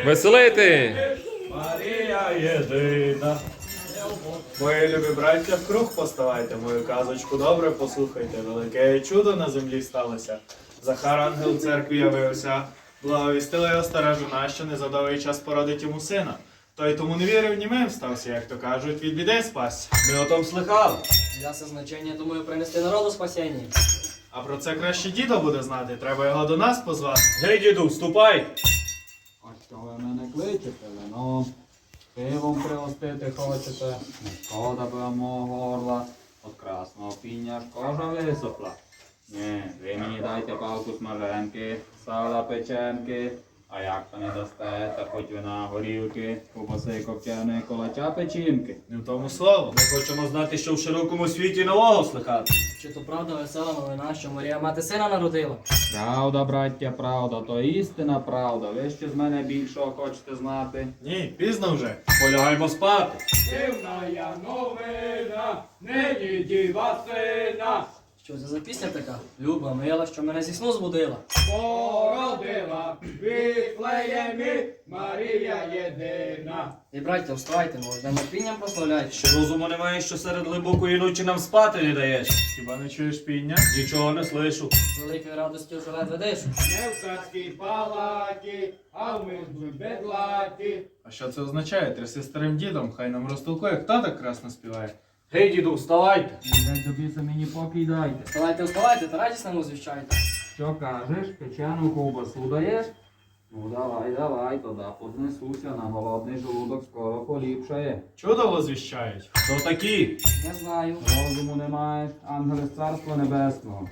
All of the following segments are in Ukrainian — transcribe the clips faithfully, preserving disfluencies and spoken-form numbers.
Веселити! Марія єдина. Мої любі браття, в круг поставайте, мою казочку добре послухайте. Велике чудо на землі сталося. Захар ангел в церкві явився. Благовістила його стара жона, що незадовгий час породить йому сина. Той тому не вірив, німим стався, як то кажуть, від біди спасся. Ми о том слыхали. Ясе значення, думаю, принести народу спасіння. А про це краще дідо буде знати, треба його до нас позвати. Гей, діду, вступай. А що ви мене кличете, вино? Пивом пригостити хочете? Не шкода би вам мого горла. От красного піння ж кожа висохла. Ні, ви мені дайте палку смаженки, сала печенки. А як то не дасте, та хоч вина горілки, ковбаси копченої, колача печінки. Не в тому слово. Ми хочемо знати, що в широкому світі нового слихати. Чи то правда весела новина, що Марія мати сина народила? Правда, браття, правда, то істина правда. Ви ще з мене більшого хочете знати? Ні, пізно вже. Полягаємо спати. Дивна я новина, нині діва сина, Що це за пісня така? Люба, мила, що мене зі сну збудила. породила в Віфлеємі Марія єдина. І браття, вставайте, можна терпінням прославляйте. Що розуму немає, що серед глибокої ночі нам спати не даєш. Хіба не чуєш піння? Нічого не слишу. З великою радостю вже ледве дишу. Не в царській палаті, а в мирній бедлаті. А що це означає? Тряси старим дідом, хай нам розтолкує, хто так красно співає. Гей, діду, вставайте. Дай тобі це мені поки дайте. Вставайте, вставайте, та радісно нам звіщайте. Що кажеш, печену ковбасу даєш? Ну давай, давай, тоді поднесуся, на голодний желудок скоро поліпшає. Чудо возвіщають. Хто такі? Не знаю. Розуму не маєш, ангели з царства небесного.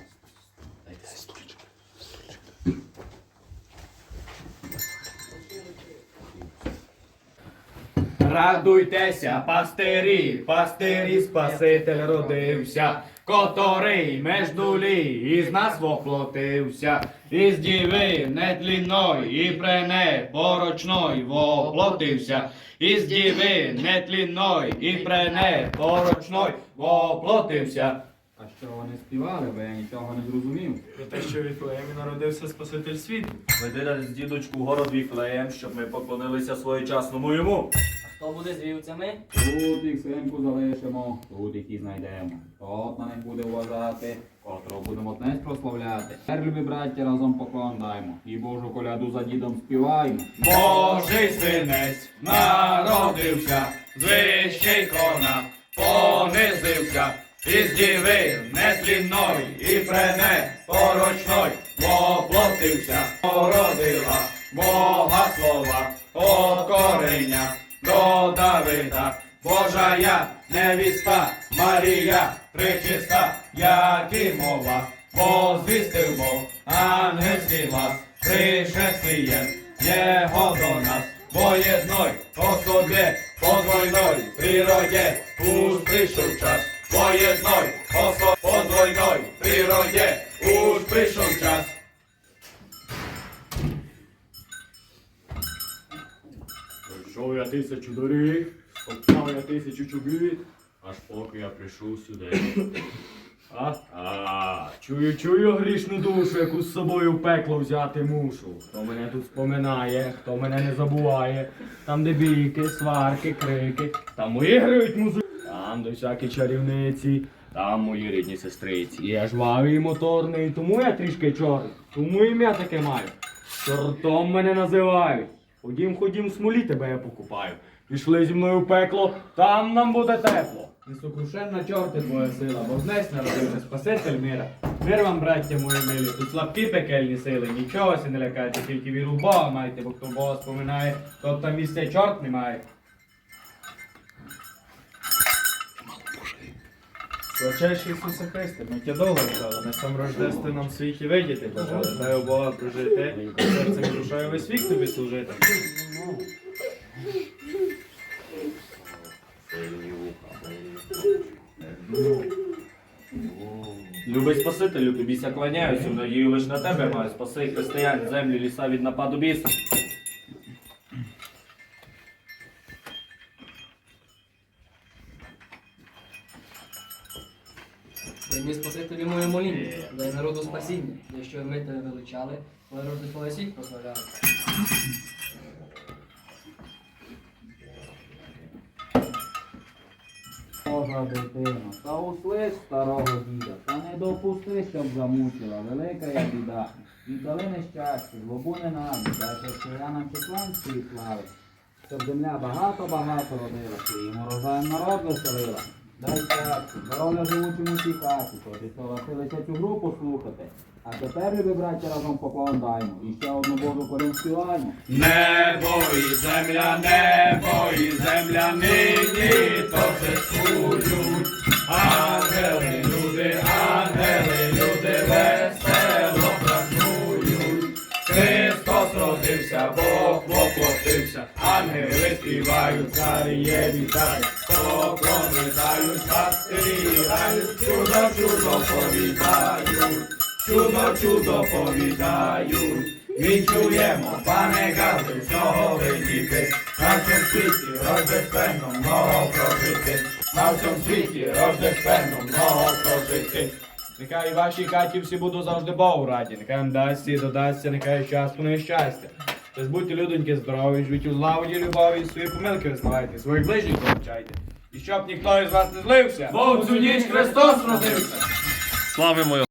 Радуйтеся, пастирі, пастирі, Спаситель родився, котрий меж дулі із нас воплотився, із діви нетлінної і прене порочної воплотився, із діви нетлінної і прене порочної воплотився. А що вони співали, бо я нічого не зрозумів. Про те, що в Віфлеємі народився Спаситель світу. Веди нас, дідочку, в город Віфлеєм, щоб ми поклонилися своєчасному йому. А хто буде з вівцями? Тут їх синку залишимо, тут їх і знайдемо. Тот на них буде вважати, котрого будемо днес прославляти. Тепер, любі браття, разом поклон даймо. І Божу коляду за дідом співаймо. Божий синець народився, з вищий кона понизився, із діви нетлінної і прене порочної воплотився, породила Бога слова, от корення до Давида, Божа я невіста, Марія пречиста, як і мова, возвістив Бог ангельський глас, пришествієм Його до нас, бо єдной особі, подвойной природі, уж прийшов час, бо єдной особі, подвойной природі, уж прийшов час. Пройшов я тисячу доріг, стоптав я тисячу чобіт, аж поки я прийшов сюди. А, а, чую, чую грішну душу, яку з собою в пекло взяти мушу. Хто мене тут споминає, хто мене не забуває, там де бійки, сварки, крики, там мої грають музики, там де всякі чарівниці, там мої рідні сестриці. Я жвавий і моторний, тому я трішки чорний, тому ім'я таке маю. Чортом мене називають. Ходім, ходім, в смолі тебе я покупаю. Пішли зі мною в пекло, там нам буде тепло. Несокрушенна чорти твоя сила, бо знесь народився Спаситель мира. Мир вам, браття мої милі, тут слабкі пекельні сили, нічого се не лякайте, тільки віру в Бога майте, бо хто Бога споминає, то там місце чорт немає. Славчайший Ісусе Христе, ми тя довго ждали, на сам рождественном світі видіти бажали. Дай у Бога прожити, серцем і душою весь вік тобі служити. Любий Спасителю, тобі ся кланяюся, в надію лиш на тебе маю. Спаси християн, землі, ліса від нападу біса. Прийми Спасителі моє моління, дай народу спасіння, де що ми тебе величали, коли роди твоє світ прославляли. Божа дитино, та услиш старого діда, та не допусти, щоб замучила, велика я біда. Віддали нещастя, злобу ненависть, дай християнам числанської слави, щоб земля багато-багато родила, своїм урожаєм народ веселила. Дай щастя, здоров'я живучим у цій хаті, коли согласилися цю гру послухати. А тепер, любі браття, разом поклон даймо, і ще одну Божу колін співаємо. Небо і земля, небо і земля нині торжествують. Ангели, люди, ангели, люди весело празнують. Христос родився, Бог воплотився, ангели співають, царіє вітають, поклони дають, пастирі грають, чудо, чудо повідають. Чудо, чудо повідають, відчуємо, пане Гази, всього видіти, на всьому світі рождественно много прожити, на всьому світі рождественно много прожити. Нехай в вашій хаті всі будуть завжди Богу раді, нехай вам дасться і додасться, нехай щастя, не щастя. Тож будьте, людоньки, здорові, живіть у злагоді, любові, і свої помилки визнавайте, своїх ближніх помічайте. І щоб ніхто із вас не злився, бо в цю ніч Христос родився. Славимо його!